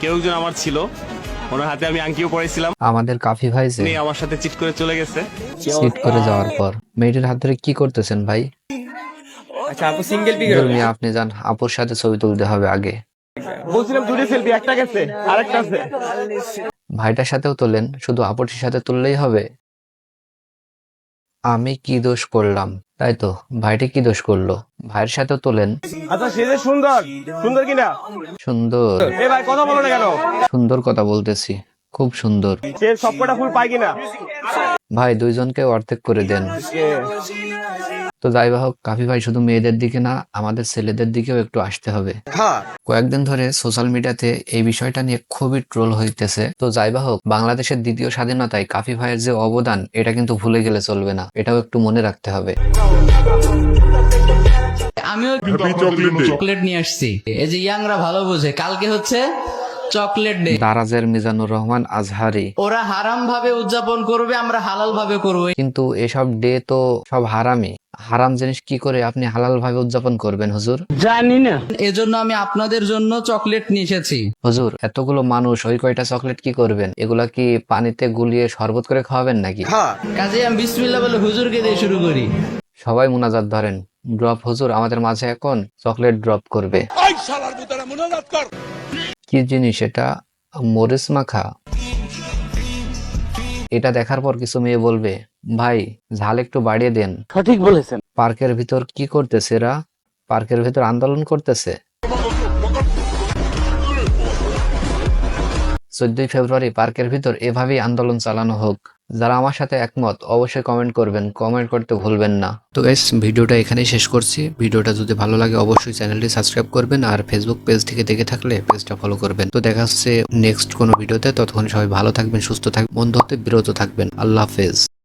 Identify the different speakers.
Speaker 1: কেউ একজন আমার ছিল, ওনার হাতে আমি আংটিও পরেছিলাম।
Speaker 2: আমাদের কাফি ভাই যে
Speaker 1: উনি আমার সাথে চিট করে চলে গেছে।
Speaker 2: সিট করে যাওয়ার পর মেয়েটির হাত ধরে কি করতেছেন ভাই?
Speaker 3: আচ্ছা আপু সিঙ্গেল পিক
Speaker 2: ধর্মী আপনি যান, আপুর সাথে ছবি তুলতে হবে আগে।
Speaker 1: বলছিলাম দুটো সেলফি, একটা গেছে আরেকটা আছে।
Speaker 2: ভাইটার সাথেও তোলেন, শুধু আপুটির সাথে তুললেই হবে? আমি কি দোষ করলাম? তাই তো, ভাইটি কি দোষ করলো? ভাইয়ের সাথেও তোলেন।
Speaker 1: আচ্ছা সে যে সুন্দর, সুন্দর কিনা?
Speaker 2: সুন্দর।
Speaker 1: এ ভাই কথা বলো না কেন?
Speaker 2: সুন্দর কথা বলতেছি, খুব সুন্দর।
Speaker 1: সে সবকটা ফুল পায় কিনা?
Speaker 2: ভাই দুইজনকে অর্ধেক করে দেন। তো যাই হোক, কাফি ভাই শুধু মেয়েদের দিকে না, আমাদের ছেলেদের দিকেও একটু আসতে হবে। কয়েকদিন ধরে সোশ্যাল মিডিয়াতে এই বিষয়টা নিয়ে খুবই ট্রোল হইতেছে। তো যাই হোক, বাংলাদেশের দ্বিতীয় স্বাধীনতায় কাফি ভাইয়ের যে অবদান, এটা কিন্তু ভুলে গেলে চলবে না, এটাও একটু মনে রাখতে হবে।
Speaker 4: আমিও চকলেট নিয়ে আসছি। এই যে ইয়াংরা ভালো বোঝে, কালকে হচ্ছে চকলেট ডে।
Speaker 2: দারাজের মিজানুর রহমান আজহারি।
Speaker 4: ওরা হারাম ভাবে উদযাপন করবে, আমরা হালাল ভাবে করবো।
Speaker 2: কিন্তু এসব ডে তো সব হারামি। হারাম জিনিস কি করে আপনি হালাল ভাবে উদযাপন করবেন হুজুর?
Speaker 4: এজন্য আমি আপনাদের জন্য চকলেট নিয়ে এসেছি।
Speaker 2: হুজুর, এতগুলো মানুষ ওই কয়টা চকলেট কি করবেন? এগুলা কি পানিতে গুলিয়ে শরবত করে খাওয়াবেন নাকি?
Speaker 4: কাজে আমি বিসমিল্লাহ বলে হুজুরকে দিয়ে শুরু করি।
Speaker 2: সবাই মুনাজাত ধরেন। ড্রপ হুজুর আমাদের মাঝে এখন চকলেট ড্রপ করবে। কি জিনিস এটা? মরিচ মাখা। এটা দেখার পর কিছু মেয়ে বলবে, ভাই ঝাল একটু বাড়িয়ে দেন।
Speaker 5: সঠিক বলেছেন।
Speaker 2: পার্কের ভিতর কি করতেছে এরা? পার্কের ভিতর আন্দোলন করতেছে। 14ই ফেব্রুয়ারি পার্কের ভিতর এভাবেই আন্দোলন চালানো হোক। যারা আমার সাথে একমত অবশ্যই কমেন্ট করবেন, কমেন্ট করতে ভুলবেন না। তো গাইস, ভিডিওটা এখানেই শেষ করছি। ভিডিওটা যদি ভালো লাগে অবশ্যই চ্যানেলটি সাবস্ক্রাইব করবেন, আর ফেসবুক পেজ থেকে দেখে থাকলে পেজটা ফলো করবেন। তো দেখা হচ্ছে নেক্সট কোনো ভিডিওতে। ততক্ষণ সবাই ভালো থাকবেন, সুস্থ থাকবেন, বন্ধু হতে বিরত থাকবেন। আল্লাহ হাফেজ।